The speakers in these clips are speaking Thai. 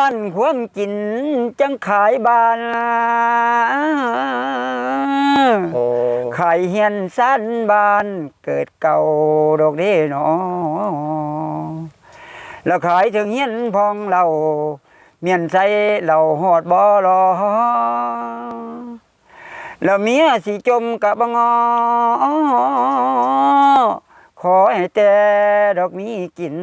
านความกินจังขายบ้านขายเฮียนสั้นบ้านเกิดเก่าดอกเด้หนอแล้วขายถึงเฮียนพองเราเมียนใส่เราหอดบ่รอแล้วเมียสิจมกะบงอขอให้แต่ดอกมีกิน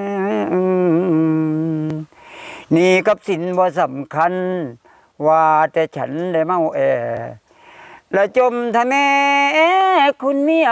นี่กับสินบ่สำคัญว่าแต่ฉันได้เมาและจมทะแม่คุณเมีย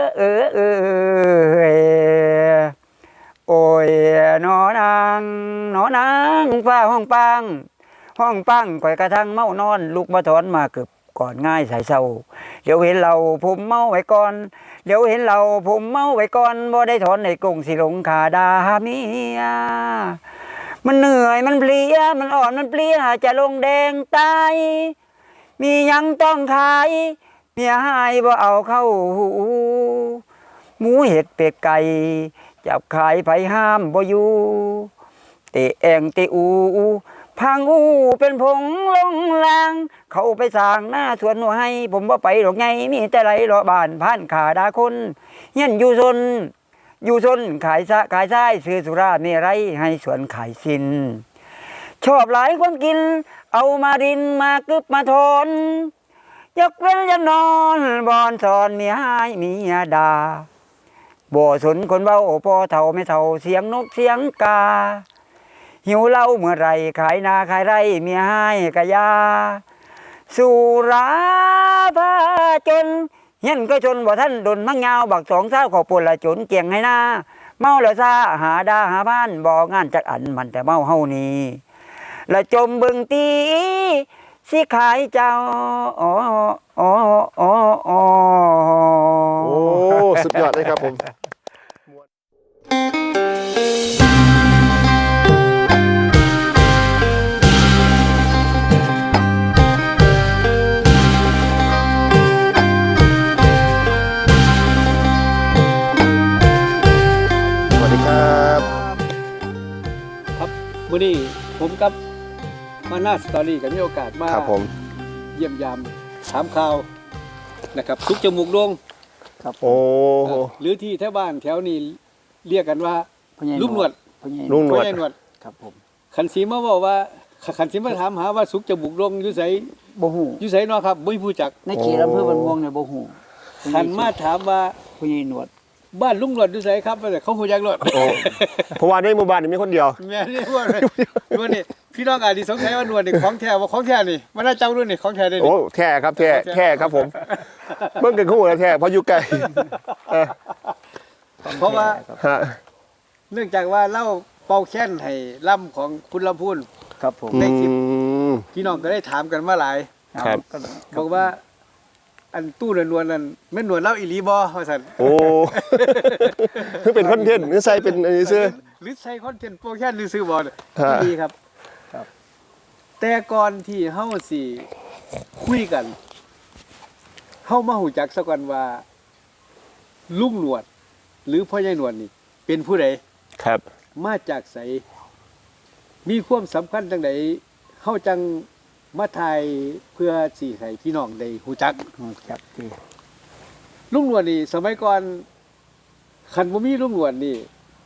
โอ้ยนอนางฟ้าห้องปังข่อยกระทั่งเมานอนลูกมาถอนมาเกือบก่อนง่ายสายเศร้าเดี๋ยวเห็นเราผมเมาไว้ก่อนเดี๋ยวเห็นเราผมเมาไว้ก่อนบ่ได้ถอนในกงสิหลงขาดาเมียมันเหนื่อยมันเพลียมันอ่อนมันเปลี้ยจะลงแดงตายมียังต้องขายเมียหายบ่เอาเข้าหูหมูเห็ดเป็ดไก่จับขายไผห้ามบ่อยู่เตะแองเตะพังเป็นผงลงลางเขาไปสร้างหน้าสวนหัวให้ผมว่าไปหรอกไงมีแต่ไรรอบ้านผ่านขาดาคนเฮียนอยู่ซนขายซ้ายซื้อสุราเมรัยให้สวนขายสินชอบหลายคนกินเอามาดินมากึบมาทนยกเว้นยันนอนบอนสอนเมียให้เมียดาบ่สนคนเบาพอเท่าไม่เท่าเสียงนกเสียงกาหิวเหล้าเมื่อไรขายนาขายไร่เมียให้กะยาสุราพาจนเฮียนก็จนบ่ท่านดนมังยาวบักสองเศร้าขอปนละจนเกียงให้นาเมาละซาหาดาหาบ้านบ่งานจักอันมันแต่เมาเฮานี้ละจมบึงตีสิขายเจ้าโอ้สุดยอดเลยครับผมวันนี้ผมกับมานาสตอรี่กับมีโอกาสมาเยี่ยมยามถามข่าวนะครับสุกจมูกโด่งครับหรือที่แถวบ้านแถวนี้เรียกกันว่าลุงหนวดครับผมขันสีมาบอกว่าขันสีมาถามหาว่าสุกจมูกโด่งอยู่ไสบ่ฮู้อยู่ไสเนาะครับบ่มีผู้จักในเขตอำเภอบ้านม่วงเนี่ยบ่ฮู้ขันมาถามว่าพ่อใหญ่หนวดบ้านลุงหนวดอยู่ไสครับแต่เขาฮู้จักหนวดเพราะว่าในหมู่บ้านนี่มีคนเดียวแม่นี่ว่านี่พี่น้องอาจสิสงสัยว่าหนวดนี่ของแท้ว่าของแท้นี่มันน่าจำรุ่นนี่ของแท้ได้นี่โอ้แท้ครับแท้ครับผมเบิ่งกันฮู้แล้วแท้เพราะอยู่ไกลเพราะว่าเนื่องจากว่าเล่าเป่าแค้นให้ล่ำของคุณลำพูนครับผมในคลิปพี่น้องก็ได้ถามกันมาหลายครับบอกว่าอันตู้นวลนั่นแม่นหนวดเล่าอีหลีบ่ว่าซั่นโอ้คือเป็นคอนเทนต์หรือใส่เป็นอันนี้ซื่อหรือใส่คอนเทนต์โปรแค้นหรือซื้อบ่ดีครับแต่ก่อนที่เฮาสิคุยกันเฮามาฮู้จักซะก่อนว่าลุงหนวดหรือพ่อใหญ่หนวดนี่เป็นผู้ใดครับมาจากไสมีความสำคัญจังไดเฮาจังมาถ่ายเพื่อสิให้พี่น้องได้ฮู้จักลุงหนวดนี่สมัยก่อนคันบ่มีลุงหนวดนี่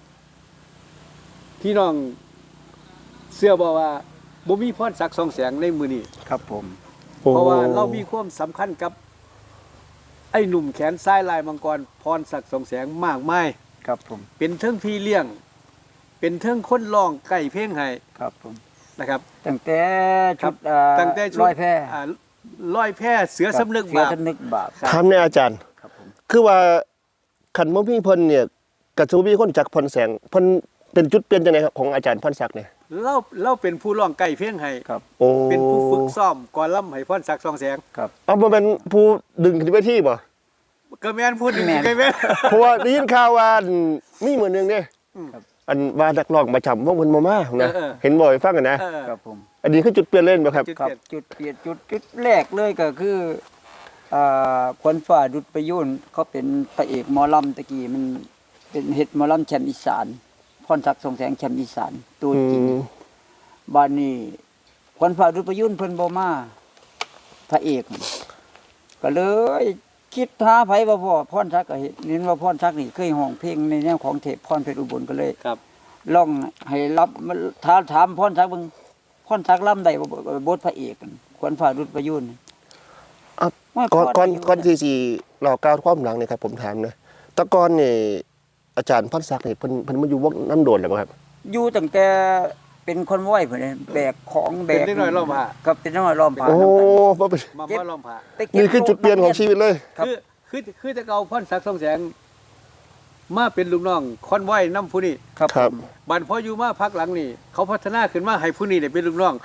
พี่น้องเชื่อบ่ว่าบ่มีพรศักดิ์ส่องแสงในมื้อนี้ครับผมเพราะว่าเรามีความสำคัญกับไอ้หนุ่มแขนซ้ายลายมังกรพรศักดิ์ส่องแสงมากมายครับผมเป็นเทิงพี่เลี้ยงเป็นเทิงคนร้องไก่เพลงให้ครับผมนะครับตั้งแต่ชุดร้อยแพร่เสือสำนึกบาปถามแน่อาจารย์คือว่าคันบ่มีเพิ่นเนี่ยก็สิบ่มีคนจักพรแสงเพิ่นเป็นจุดเปลี่ยนจังได๋ครับของอาจารย์พรศักดิ์เนี่ยเราเป็นผู้ร้องไก่เพลงให้ครับเป็นผู้ฝึกซ้อมก่อนล่ำให้พรศักดิ์ส่องแสงครับบ่แม่นผู้ดึงขึ้นเวทีบ่ก็แม่นพูดไก่แม่นเพราะว่าได้ยินข่าวว่ามีมื้อนึงเด้อันว่านักร้องประจำวงเพิ่นบ่มานะเห็นบ่ให้ฟังกันนะครับผมอันนี้คือจุดเปลี่ยนเล่นบ่ครับจุดเปลี่ยนจุดแรกเลยก็คือควันฟ้าดุจประยุนเขาเป็นพระเอกหมอลำตะกี้มันเป็นเฮ็ดหมอลำแชมป์อีสานพรศักดิ์ส่องแสงแชมป์อีสานตัวจริงบ้านนี้คนฝ่าดุจประยุนเพิ่นบ่มาพระเอกก็เลยคิดหาไผว่าพ่อพรศักดิ์ก็เห็นว่าพรศักดิ์นี่เคยร้องเพลงในแนวของเทพพรเพชรอุบลก็เลยครับลองให้รับถามพรศักดิ์เบิ่งพรศักดิ์ล่ำได้บ่บทพระเอกคนฝ่าดุจประยุนอ่ะว่าก่อนที่สิเราก้าวความหลังเนี่ยครับผมถามนะแตะก่อนนี่อาจารย์พรศักดิ์นี่เพิ่นมาอยู่วงน้ำโดนแล้วบ่ครับอยู่ตั้งแต่เป็นคนว้อยพุ่นเลยแบกของแบเป็นกเด็กน้อยล้อมผ้าครับเป็นน้อยล้อมผ้าโอ้นำกันบ่เป็นมาล้อมผ้าไปเก็บนี่คือจุดเปลี่ยนของชีวิตเลยครับคือจะเก่าพรศักดิ์ทองแสงมาเป็นลูกน้องคอนไว้น้ำผู้นี้ครับครับบันพออยู่มาพักหลังนี่เขาพัฒนาขึ้นมาให้ผู้นี้ได้เป็นลูกน้อง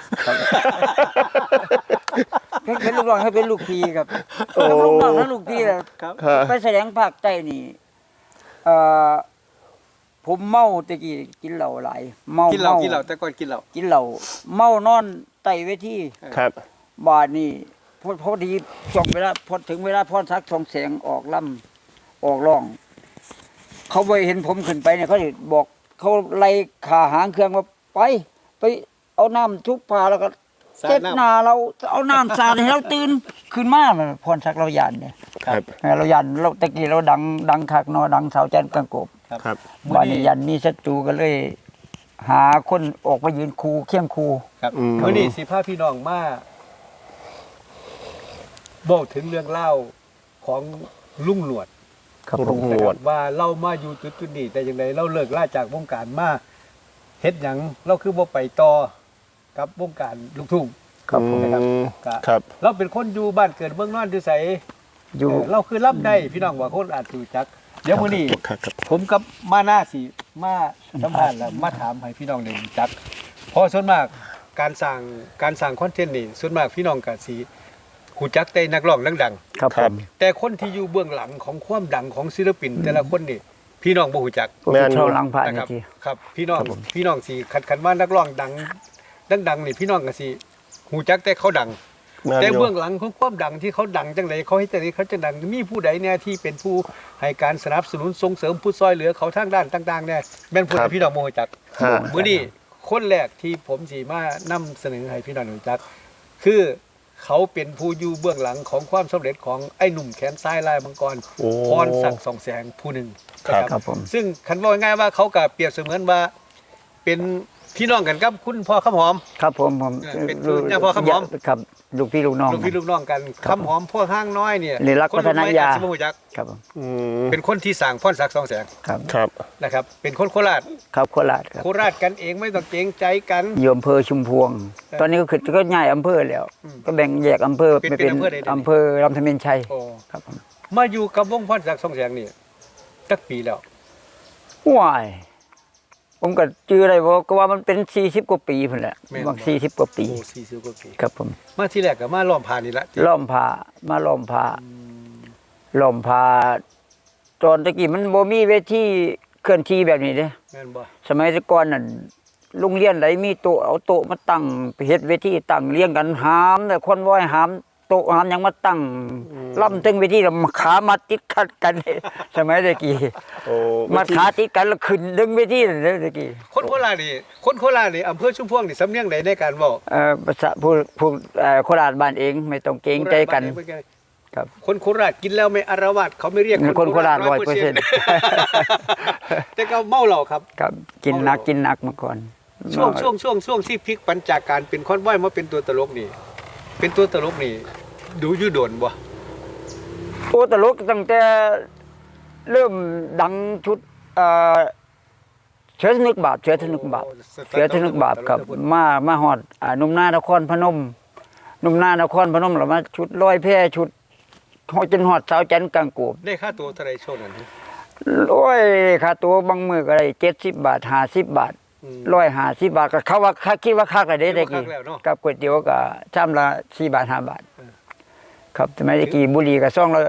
เป็นลูกน้องให้เป็นลูกพี่ครับโอ้ทั้งลูกน้องทั้งลูกพี่แหละครับครับไปแสดงภาคใต้นี่เอ่อผมเมาตะกี้กินเหล้าหลายเมากินเหล้ากินเหล้าแต่ก่อนกินเหล้ากินเหล้าเมานอนใต้เวทีครับบาดนี้พอดีช่วงเวลาพอถึงเวลาพรศักดิ์ทองแสงออกล่ำออกร้อง เขาไปเห็นผมขึ้นไปเนี่ยเขาสิบอกเขาไล่ขาหางเครื่องว่าไปเอาน้ำทุบผ้าแล้วก็สาดเจ็ดน้ำหน้าเราเอาน้ำสาดให้เราตื่นขึ้นมาพรศักดิ์เรายันเนี่ยครับเรายันเราตะกี้เราดังคักเนาะดังสาวจันทร์กังกบครับบ้านนี้ยันมีศัตรูก็เลย หาคนออกมายืนคูเคียงคูครับอืมมื้อนี้สิพาพี่น้องมาบอกถึงเรื่องเล่าของลุงหนวดครับผลุมงหนวดว่าเรามาอยู่จุดนี้แต่อย่างไรเราเลิกล่าจากวงการมาเฮ็ดหยังเราคือบ่ไปต่อกับวงการลูกทุ่งครับผมนะครับอืมครับเราเป็นคนอยู่บ้านเกิดเมืองนอนอยู่ไสอยู่เราคือรับได้พี่น้องว่าคนอาจรู้จัก เดี๋ยวมื้อนี้ครับครับผมกับมาหน้าสิมาสัมภาษณ์แล้วมาถามให้พี่น้องได้รู้จักเพราะส่วนมากการสร้างคอนเทนต์นี่ส่วนมากพี่น้องก็สิรู้จักแต่นักร้องดังครับคผรับมๆแต่คนที่อยู่เบื้องหลังของความดังของศิลปิน แต่ละคนนี่พี่น้องบ่รู้จักผมแม่นเช่าหลังผ่านนะคนี่รับทีครับพี่น้องครับผมพี่น้องสิคันว่านักร้องดังนี่พี่น้องก็สิรู้จักแต่เขาดังแม่นแต่อยู่เบื้องหลังของความดังที่เขาดังจังไดเขาเฮ็ดจังไดเขาจะดังมีผู้ใดเนี่ยที่เป็นผู้ให้การสนับสนุนส่งเสริมผู้ซอยเหลือเขาทางด้านต่างๆเนี่ยแม่นผู้ใดพี่น้องบ่รู้จักฮะมื้อนี้คนแรกที่ผมสิมานำเสนอให้พี่น้องรู้จัก คือเขาเป็นผู้อยู่เบื้องหลังของความสำเร็จของไอ้หนุ่มแขนซ้ายลายมังกรโอ้พรศักดิ์ส่องแสงผู้หนึ่งครับนะครับผมซึ่งคันว่าง่ายๆว่าเขาก็เปรียบเสมือนว่าเป็นพี่น้องกันกับคุณพ่อคำหอมครับผมผมเป็นลูกเนี่ยพ่อครับผมครับลูกพี่ลูกน้องลูกพี่ลูกน้องกันครับคำหอมพวกห้างน้อยเนี่ยเรียนรักพัฒนายาคนรุ่นใหม่อจจะบ่รู้จักครับผมอืมเป็นคนที่สั่งพรศักดิ์ส่องแสงครับครับนะครับ เป็นคนโคราชครับโคราชครับโคราชกันเองไม่ต้องเกรงใจกันอยู่อำเภอชุมพวง ตอนนี้ก็คือก็ย้ายอำเภอแล้วอืมก็แบ่งแยกอำเภอเป็นไปเป็นอำเภอใดๆอำเภอลำธเมนชัยโอ้ครับผมมาอยู่กับวงพรศักดิ์ส่องแสงนี่สักปีแล้วว้ายผมก็จื้ออะไรบ่ก็ว่ามันเป็น40กว่าปีพุ่นแหละบาง40กว่าปีโอ้40กว่าปีครับผมมาที่แรกก็มาล้อมผ่านนี่ละล้อมผ้ามาล้อมผ้าล้อมผ้าตอนตะกี้มันบ่มีเวทีเคลื่อนที่แบบนี้เด้แม่นบ่สมัยแต่ก่อนนั่นโรงเรียนไหนมีโต๊ะเอาโต๊ะมาตั้งไปเฮ็ดเวทีตั้งเรียงกันหามแต่คนว้อยหามโต๊ะหามหยังมาตั้งล่ำถึงเวทีแล้วขามาติดขัดกัน สมัยตะกี้โอ้มาขาติดกันแล้วขึ้นดึงเวทีนั่นเด้อตะกี้คนโคราชนี่อำเภอชุมพวงนี่สำเนียงใดในการเว้าภาษาผู้โคราชบ้านเองไม่ต้องเกรงใจกัน ครับคนโคราชกินแล้วไม่อารวาสเขาไม่เรียกคนโคราช 100% 100% แต่ก็เมาเหล้าครับครับกินหนักมาก่อนช่วงที่พลิกปัญจากการเป็นคอนว้อยมาเป็นตัวตลกนี่ เป็นตัวตลกนี่ ดูอยู่โดนบ่โอ้ตลกตั้งแต่เริ่มดังชุดเชื้อสนึกบาปเชื้อสนึกบาปเชื้อสนึกบาปครับมาฮอดหนุ่มนานครพนมหนุ่มนานครพนมแล้วมาชุดร้อยแพร่ชุดจนฮอดสาวจันทร์กลางโกบได้ค่าตัวเท่าไหร่ช่วงนั้นโอ้ยค่าตัวบางมื้อก็ได้70 บาท50 บาท 150 บาทก็เขาว่าคิดว่าคักอะเด้ตะกี้กับก๋วยเตี๋ยวก็ชามละ4 บาท 5 บาท ครับสมัยตะกี้บุหรี่ก็ซองละ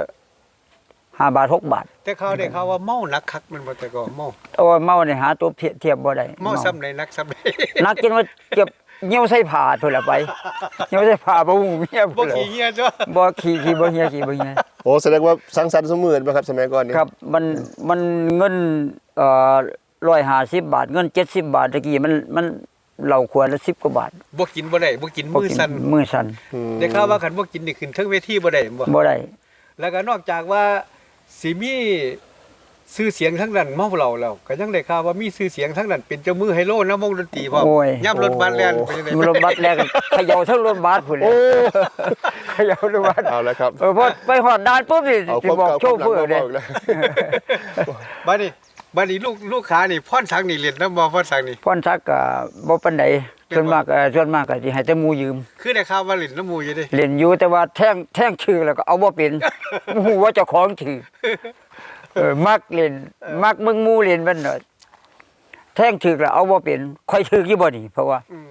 5 บาท 6 บาทแต่เขาได้ข่าวว่าเมาหนักคักมันบ่แต่ก็เมาโอ้ยเมาเนี่ยหาตัวเทียบบ่ได้เมาซ้ำในนักซ้ำในนักกินว่าเก็บเหี่ยวใส่ผ้าพุ่นละไปเหี่ยวใส่ผ้าบ่ฮู้เมียบ่พุ่นละขี้เหี้ยจ้ะบ่ขี้บ่เหี่ยขี้บ่เหี่ยโอ้แสดงว่าสังสรรค์เสมือนป่ะครับสมัยก่อนนี่ครับมันเงิน150 บาทเงิน70 บาทตะกี้มันเราขวดละ10กว่าบาทบ่กินบ่ได้บ่กินมือสั่นมือสั่นได้ข่าวว่าคันบ่กินนี่ขึ้นเทิงเวทีบ่ได้บ่บ่ได้แล้วก็นอกจากว่าสิมีชื่อเสียงทั้งนั้นเมาเราแล้วก็ยังได้ข่าวว่ามีชื่อเสียงทั้งนั้นเป็นเจ้ามือไฮโลนำวงดนตรีพร้อมโอ้ยย่ำรถบัสแล่นไปจังได๋รถบัสแรกเขย่าทั้งรถบัสพุ่นเลยเขย่ารถบัสเอาแล้วครับพอไปหอดด่านปุ๊บนี่เอาสิบอกโชเฟอร์เด้ความเก่าบัดนี้ลูกค้านี่พรสังนี่เล่นนำบ่พรสังนี่พรทักก็บ่ปานใดส่วนมากก็สิให้แต่หมู่ยืมคือได้ข่าวว่าเล่นน้ำหมู่อยู่เด้เล่นอยู่แต่ว่าแท่งชื่อแล้วก็เอาบ่เป็นฮู้ว่าเจ้าของชื่อมักเล่นมักมึงหมู่เล่นมันเนาะแท่งชื่อแล้วเอาบ่เป็นค่อยชื่ออยู่บ่นี่เพราะว่าอืม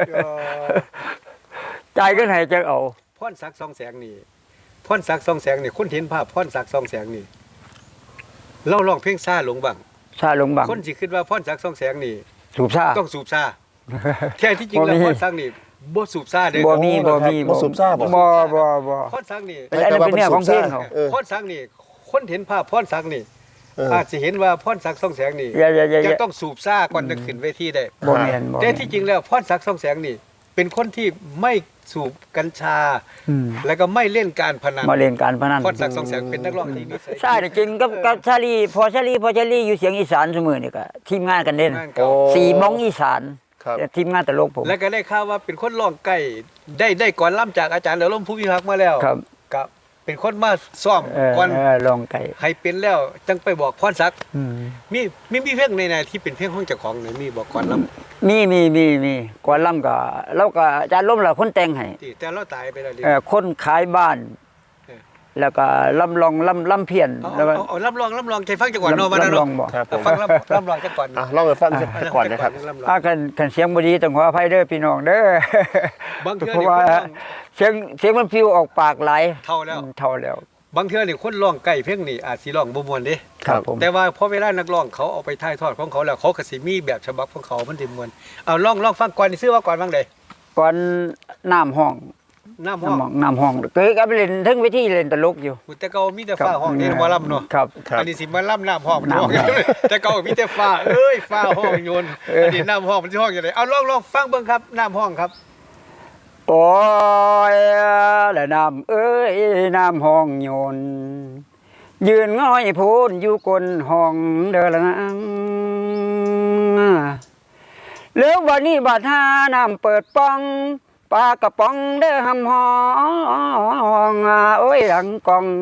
จ่ายกันให้จังเอาพรศักดิ์สองแสงนี่พรศักดิ์สองแสงนี่คนเห็นภาพพรศักดิ์สองแสงนี่เราร้องเพลงซ่าหลงบังชาลงบังคนสิคิดว่าพรศักดิ์สองแสงนี่สูบชาต้องสูบซ่าแท้ที่จริงแล้วบ่มีพรศักดิ์นี่บ่สูบซ่าเด้อบ่มีบ่สูบซ่าบ่บ่พรศักดิ์นี่อันนั้นเป็นเนี่ยของเพลงเขาพรศักดิ์นี่คนเห็นภาพพรศักดิ์นี่เอออาจสิเห็นว่าพรศักดิ์สองแสงนี่อย่าจะต้องสูบซ่าก่อนจะขึ้นเวทีได้บ่แม่นบ่แต่ที่จริงแล้วพรศักดิ์สองแสงนี่ เป็นคนที่ไม่สูบกัญชาอืมแล้วก็ไม่เล่นการพนันมาเล่นการพนันพรศักดิ์สองแสงเป็นนักร้องที่นิสัยใช่จริงกับชาลีพอชาลีอยู่เสียงอีสานเสมอนี่ก็ทีมงานกันเด่นงานเก่าสี่โมงอีสานครับแต่ทีมงานตลกผมแล้วก็ได้ข่าวว่าเป็นคนร้องไก่ได้ก่อนล่ำจากอาจารย์เดลมผู้พิพักษ์มาแล้วครับกับเป็นคนมาซ่อมก่อนลองไก่ให้เป็นแล้วจังไปบอกพรศักดิ์อืมมีเพลงในที่เป็นเพลงของเจ้าของไหนมีบอกก่อนล่มีก่อนล่ำก็เราก็อาจารย์ล้มละคนแต่งให้ำที่แต่เราตายไปแล้วดิคนขายบ้านเออแล้วก็ล่ำลองล่ำเพี้ยนเอาแล้วก็เอารับรองใจฟังจังหวัดเนาะมาแล้วล่ำลอเนาะงบอกครับผมฟังรับรองจังหวัดอ่ะลองไปฟังสักก่อนนะครับคันเสียงบ่ดีต้องขออภัยเด้อพี่น้องเด้อบางเทื่อเพราะนี่ว่าคนร้องเสียงมันฟิวออกปากหลายเท่าแล้วเท่าแล้วบางเทื่อนี่คนร้องไก่เพลงนี่อาจสิร้องบ่ม่วนเด้ครับผมแต่ว่าพอเวลานักร้องเขาเอาไปถ่ายทอดของเขาแล้วเขาก็สิมีแบบฉบับของเขามันสิม่วนเอาลองฟังก่อนนี่ซื้อว่าก่อนบ้างเด้ก่อนน้ำห้องน้ำห้องน้ำห้องเคยกับเล่นทั้งเวทีเล่นตลกอยู่แต่เก่ามีแต่ฟ้าห้องนี่บ่ล่ำเนาะครับครับอันนี้สิมาล่ำน้ำห้องมันห้องน้ำห้องแต่เก่ามีแต่ฟ้าเอ้ยฟ้าห้องโยนอันนี้น้ำห้องมันสิห้องจังไดเอาลองฟังเบิ่งครับน้ำห้องครับโอ้ยและน้ำเอ้ยน้ำห้องโยนยืนง่อยพูนอยู่กลห้องเด้อละนางแล้ววันนี้บาดหาน้ำเปิดป้องปลากระป๋องเด้อหำห้องโอ้ยหลังกอง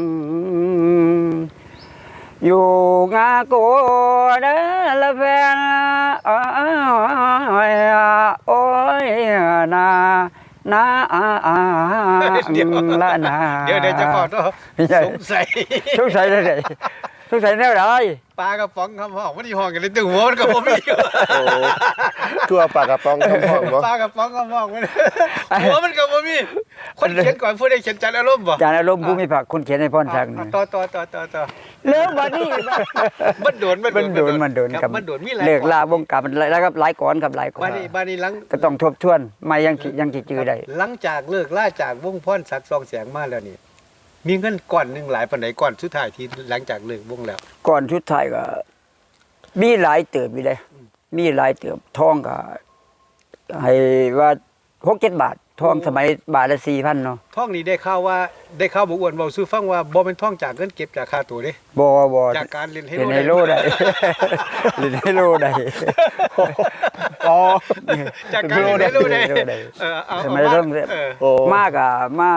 อยู่งาโกเด้อละแฟนโอ้ยนาละนาเดี๋ยวจะขอโทษไม่ใช่สงสัยสงสัยได้ไหนสงสัยแนวไหนปลากระป๋องคำห้องมันที่ห้องกันเลยตึงหัวมันก็บ่มีโอ้คือว่าปากกระป๋องคำห้องบ่ปลากระป๋องคำห้องมันหัวมันก็บ่มีคนเขียนก่อนผู้ใดเขียนจันอารมณ์บ่จานอารมณ์ภูมิภาคคนเขียนให้พรชักนี่ต่อแล้วบัดนี้มันโดนมันโดนคกัรับบ มันโดนมีหลายเลิกลาวงการมันแล้วครับหลายก่อนครับหลายก่อนบ้านนี้หลังก็ต้องทบทวนไม่ยังสิจื้อได้หลังจากเลิกล่าจากวงพรศักดิ์ซองแสงมาแล้วนี่มีเงินก้อนหนึงหลายปานใดก้อนสุดท้ายที่หลังจากเลิกวงแล้วก่อนชุดไทายก็มีหลายเติบอยู่เลยมีหลายเติบทองก็ให้ว่า6-7 บาททองสมัยบาทละ 4,000 เนาะท่องนี้ได้ข่าวว่าได้ข่าวบ่อ้วนเว้าสู่ฟังว่าบ่เป็นท่องจากเงินเก็บจากค่าตัวเด้บ่จากการเล่นไฮเล่นโลไฮโลได้ เล่นไฮโลได้อ๋อจากการเล่นไฮโลได้เล่นไฮโลได้เอาสมัยเริ่มโอ้มากอ่ะมา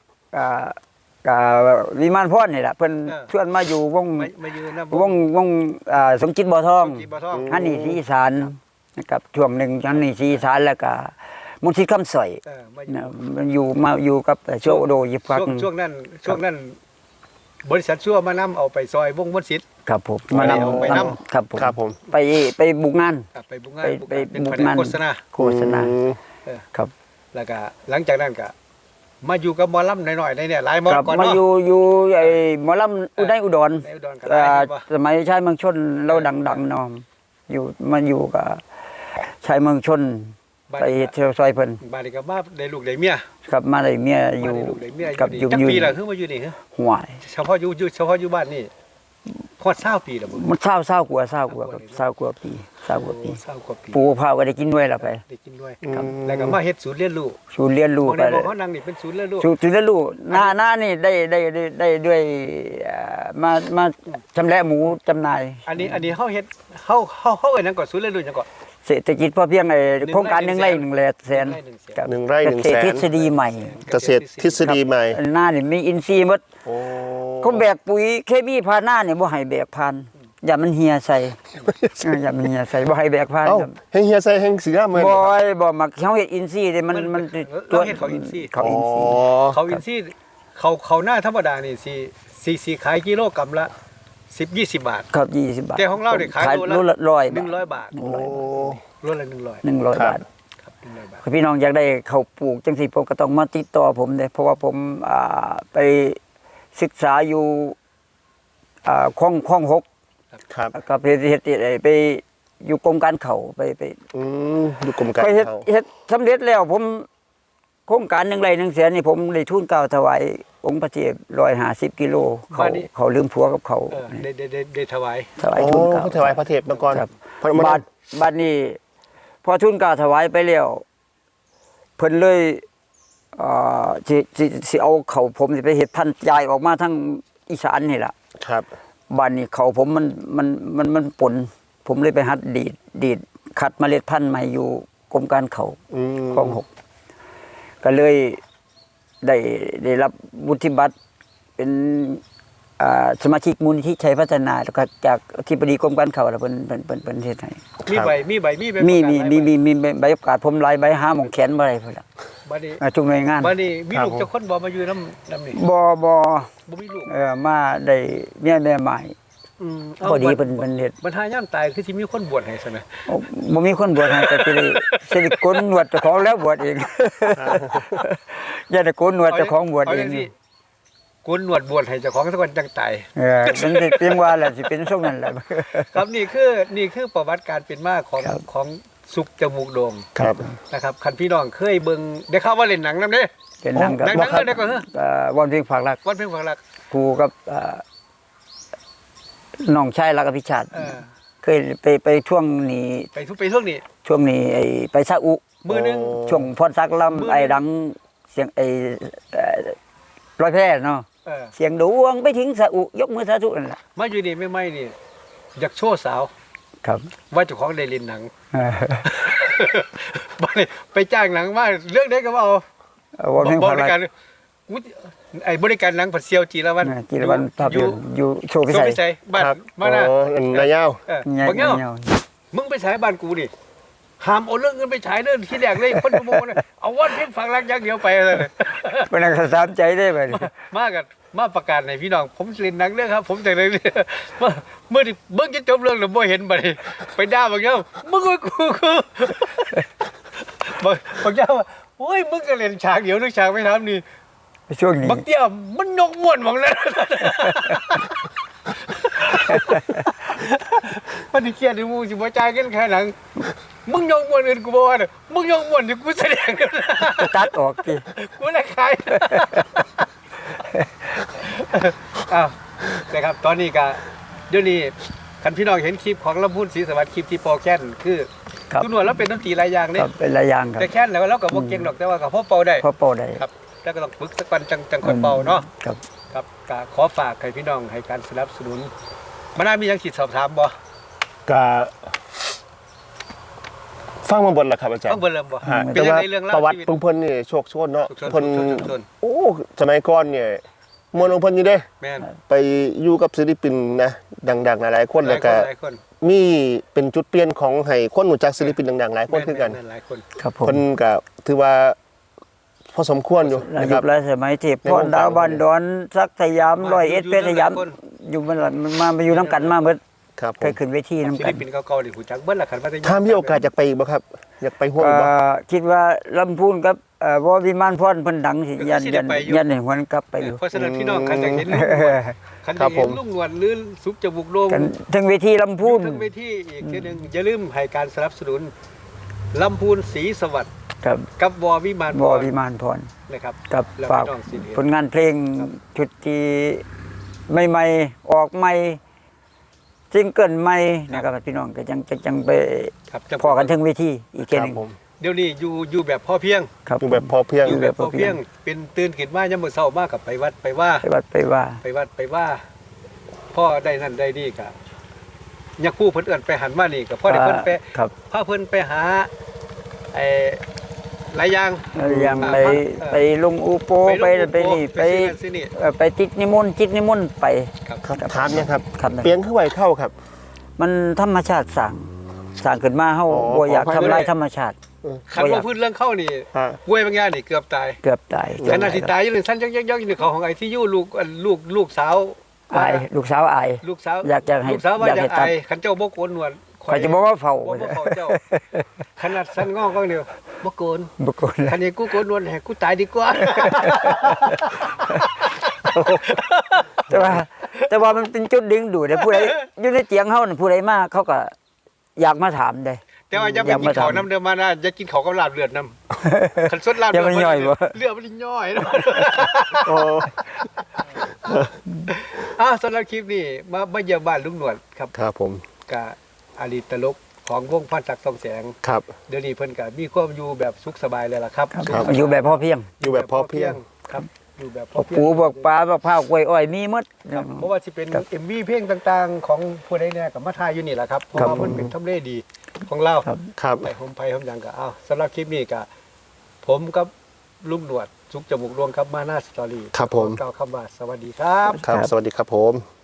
วิมานพรนี่แหละเพิ่นชวนมาอยู่วงมายืนนะวงสมจิตบ่อทองกีบ่ท่องฮันนี่ศรีอีสานนะครับช่วงหนึ่งฮันนี่ศรีอีสานแล้วก็มุนทิคำสอยมานะมันอยู่กับโชโดยิบพักช่วงนั้นบริษัทชั่วมานำเอาไปซอยวงมนต์สิทธิ์ครับผมไปนไปนำครับผมครับผมไปบุกงานไปบุกงานไปเป็นบุแผกนงานโฆษณาโฆษณาอืมครับแล้วก็หลังจากนั้นก็มาอยู่กับหมอลำหน่อยๆในเนี่ยหลายหมอครับก่อนมาเนาะอยู่ไอ้หมอลำอุดรในอุดรก็หลายเห็นบ่สมัยชายเมืองชนเราดังๆเนอมอยู่มาอยู่กับชายเมืองชนไปเฮ็ดซอยเพิ่นบ้านนี้ก็มาได้ลูกได้เมียครับมาได้เมียอยู่มาได้ลูกได้เมียกับอยู่อยู่จักปีละคือมาอยู่นี่ฮะห่วยเฉพาะอยู่บ้านนี่ฮอด20ปีแล้วบ่มันเศร้ากว่าครับเศร้ากว่าปี 20กว่าปีปลูกมะพร้าวก็ได้กินด้วยล่ะไปได้กินด้วยครับแล้วก็มาเฮ็ดศูนย์เรียนรู้ศูนย์เรียนรู้บ่ไปได้เลบอกยเขานั่งนี่เป็นศูนย์เรียนรู้ศูนย์เรียนรู้หน้านี่ได้ด้วยมาชำแหละหมูจำหน่ายอันนี้เฮาเฮ็ดเฮาเอิ้นหยังก่อนศูนย์เรียนรู้หยังก่อนเศรษฐกิจพอเพียงโครงการ1 ไร่ 1 แสนครับ 1 ไร่ 1 เกษตรแสทฤนษฎีใหม่เกษตรทฤษฎีใหม่หน้านี่มีอินทรีย์หมดโอ้เขาแบกปุ๋ยเคมีผ่านหน้านี่บ่ให้แบกผ่านอย่ามันเหี่ยใส่อย่ามันเหี่ยใส่บ่ให้แบกผ่านเอ้าครับแฮงเฮียใส่แฮงสีงามเหมือนบ่มักเฮาเฮ็ดอินทรีย์เด้มันเราเฮ็ดเขาอินทรีย์เขาอินทรีย์เขาอินทรีย์เขาหน้าธรรมดานี่สิขายกิโลกรัมละ10-20 บาทครับ20 บาทแต่ของเราเนี่ยขายโลละ 100 บาท 100 บาทโอ้โลละ100 100 บาทครับ100 บาทพี่น้องอยากได้ข้าวปลูกจังซี่ผมก็ต้องมาติดต่อผมเด้เพราะว่าผมไปศึกษาอยู่คลอง6 ครับก็ไปเฮ็ดไปอยู่กรมการข้าวไปอยู่กรมการไปเฮ็ดเขาเฮ็ดสำเร็จแล้วผมโครงการ1 ไร่ 1 แสนนี่ผมได้ทุนเกล้าถวายองค์พระเจ้า150 กิโลเขาลืมผัวกับเขาได้ถวายถวายโอ้ทุนเกล้าเขาถวายพระเทพมาก่อนครับพระมบาทนี้พอทุนเกล้าถวายไปแล้วเพิ่นเลยสิเอาเขาผมสิไปเฮ็ดพันธุ์ยายออกมาทั้งอีสานนี่ล่ะครับบ้านนี้เขาผมมันปนผมเลยไปหัดดีดคัดเมล็ดพันธุ์มาอยู่กรมการเขาคลอง 6ก็เลยได้รับวุฒิบัตรเป็นสมาชิกมูลนิธิชัยพัฒนาแล้วก็จากอธิบดีกรมการเขาแล้วเพิ่นเฮ็ดให้มีใบมีมีใบประกาศผมหลายใบหาหม่องแขนบ่ได้พุ่นล่ะบัดนี้ทุกหน่วยงานบัดนี้มีลูกจักคนบ่มาอยู่นำนี่บ่บ่มีลูกมาได้เมียแม่ใหม่ พอดีเพิ่นเฮ็ดบรรทายามตายคือสิมีคนบวชให้ซั่นน่ะบ่มีคนบวชให้แต่สิได้โกนหนวดเจ้าของแล้วบวชเองอย่าได้โกนหนวดเจ้าของบวชเองโกนหนวดบวชให้เจ้าของสักวันจังตายมันสิเพียงว่าแหละสิเป็นทรงนั้นแหละครับนี่คือประวัติการเป็นมาของสุกจมูกโด่งครับนะครับคันพี่น้องเคยเบิ่งได้ข่าวว่าเล่นหนังนำเด้เป็นหนังกับหนังเรื่องใดก่อนเฮ้อวันเพียงฝากรักวันเพ็ญฝังรักครูกับน้องชายรักอภิชาติเคยไปช่วงนี้ไปช่วงนี้ไอ้ไปซาอุมือนึงช่วงพรซักลำไอ้ดังเสียงไอ้ร้อยแพร่เนาะเสียงดวงไปถึงซาอุยกมือสาธุนั่นแหละมาอยู่นี่ไม่นี่อยากโชว์สาวครับว่าเจ้าของได้เล่นหนัง ไปจ้างหนังมาเรื่องได้ก็ว่าเอาวันเพียงบฝากริรัการกไอ้บริการหนังผัดเซียวจีรวันจีรวันภาพยนตร์อยู่โชว์พิโซสัยพิสัยบ้านครับมานะอ๋อ นายาวบางเงี้ยมึงไปฉายบ้านกูดิห้ามเอาเรื่องเงินไปฉายเรื่องที่แรกเลยคนโมงเอาวันเพียงฝังรักอย่างเดียวไปเลยเป็นอะไรสามใจได้ไปมากันมาประกาศในพี่น้องผมเล่นหนังเรื่องครับ ผมแต่เลยเมื่อเบิ่งจะจบเรื่องหรือบ่เห็นบัดนี้ไปด่าบางเงี้ยมึงกูบางเงี้ยว่าโอ้ยมึงก็เล่นฉากเดียวนึกฉากไม่ทำนี่ช่วงนี้บางเตี้ยมันนกม่วนบางนั้นมันเครียดที่มูสิบ่จ่ายกันแค่หนังมึงยกม่วนอื่นกูบ่ว่าเด้อมึงยกม่วนที่กูแสดงกันตัดออกสิกูเลยขายอ้าวนะครับตอนนี้ก็เดี๋ยวนี้คันพี่น้องเห็นคลิปของลำพูนศรีสวัสดิ์คลิปที่ปอแค้นคือตุนวดแล้วเป็นดนตรีหลายอย่างเด้ครับเป็นหลายอย่างครับแต่แค้นแล้วเราก็บ่เก่งหรอกแต่ว่าก็พอเป่าได้พอเป่าได้ครับแล้วก็ต้องฝึกสักวันจังคนเป่าเนาะครับครับก็ขอฝากให้พี่น้องให้การสนับสนุนมันน่ามีหยังคิดสอบถามบ่กะฟังมาบนล่ะครับอาจารย์ต้องเบิ่งเริ่มบ่ฮะเป็แต่นจังว่าไดเรื่องปราวระวัติชีวิตของเพิ่นนี่โชคโชนเนาะโชคโชนเพิ่นโชคโชนโอ้สมัยก่อนเนี่ยมวลของเพิ่นอยู่เด้แม่นไปอยู่กับศิลปินนะดังๆหลายๆคนแล้วก็หลายคนมีเป็นจุดเปลี่ยนของให้คนรู้จักศิลปินดังๆหลายคนคือกันแม่หลายคนครับผมเพิ่นก็ถือว่าพอสมควรอยู่อานะคยุรับหลายสมัยที่พ่อดาวบ้านดอนสักสยาม101เพชรสยามอยู่มันมาอยู่น้ำกันมาเบิดครับผเคยมขึ้นเวทีศิน้ำลกันปินเก่าๆนี่ฮู้จักเบิดล่ะคันว่าถ้ามีโอกาสอยากไปอีกบ่ครับอยากไปร่วมอีกบ่คิดว่าลำพูนกับวอวิมานพรเพิ่นดังสิยันให้หวนกลับไปอยู่เพราะฉะนั้นพี่น้องคันอยากเห็นคันอยากเห็นลุงหนวดหรือสุกจมูกโด่งกันทั้งเวทีลำพูนทั้งเวทีอีกทีหนึงอย่าลืมให้การสนับสนุนลำพูนศรีสวัสดิ์ครับกับวอวิมานวอวิมานพรนะครับกับแล้วฝากพี่น้องสิเห็นผลงานเพลงชุดที่ใหม่ๆออกใหม่ซิงเกิลใหม่นะครับพี่น้องก็จังไปครับพอกันถึงเวทีอีกคแค่รับนึงผมเดี๋ยวนี้อยู่แบบพอเพียงครับอยู่แบบพอเพียงอยู่แบบพอเพียงเป็นตื่นขึ้นมายามมื้อเช้ามากับไปวัดไปว่าไปวัดไปว่าไปวัดไปว่าพ่อได้นั่นได้นี่ก็ยักคู่เพิ่นเอิ้นไปหันมานี่ก็พ่อได้เพิ่นไปครับพาเพิ่นไปหาไอ้หลายอย่างยังไปลงอูโปไปลงไปนี่ไปซื้อนี่ไปจิตนิมนต์ไปครับครับถามเนี่ยครับครับเปียงคือไหวเข้าครับมันธรรมชาติสั่งขึ้นมาเฮาอ๋อบ่อยากขออภัยทำลายด้วยธรรมชาติคันว่าพื้นเรื่องเข้านี่ฮะป่วยบางอย่างนี่เกือบตายเกือบตายขณะที่ตายอยู่นี่สั้นยักๆอยู่ในเขาของไอ้ที่อยู่ลูกสาวอายลูกสาวอายลูกสาวอยากจะให้ลูกสาวว่าอยากอยาให้กตัไอดคันเจ้าบ่โกนหนวดข่อยจะบอกว่าเฝ้าบ่เฝ้าเจ้าขนาดสั้นงอกก็เดียวบ่โกนบ่คนคันนี้กูโกนหนวดให้กูตายดีกว่าแต่ว่ามันเป็นจุดดึงดูดผู้ใดอยู่ในเตียงเฮานั่นผู้ใดมาเขาก็อยากมาถามได้แต่ว่าอย่าไปกินข้าวน้ำเดิมมานะอย่ากินข้าวกับลาบเลือดน้ำคันสดลาบอย่ามันย่อยบ่เลือดมันย่อยเนาะโอ้สำหรับคลิปนี้มาเยี่ยมบ้านลุงหนวดครับครับผมกับอดีตตลกของวงพันศักดิ์ทองแสงครับเดี๋ยวนี้เพิ่นก็มีความอยู่แบบสุขสบายเลยล่ะครับครับอยู่แบบพอเพียงอยู่แบบพอเพียงครับอยู่แบบพพอวกเพียงปูพวกปลาพวกข้าวกล้วยอ้อยมีหมดครับเพราะว่าสิเป็นครับ MV เพลงต่างๆ ของผู้ใดเนี่ยกับมาทายอยู่นี่แหละครับเพราะครับว่าเพิ่นเป็นทำเลดีของเราครับครับไปผมไปผมหยังก็สำหรับคลิปนี้ก็ผมกับลุงหนวดสุกจมูกรวงครับมาหน้าสตอรี่ครับผมขอกล่าวคำว่าสวัสดีครับครับ สวัสดีครับผม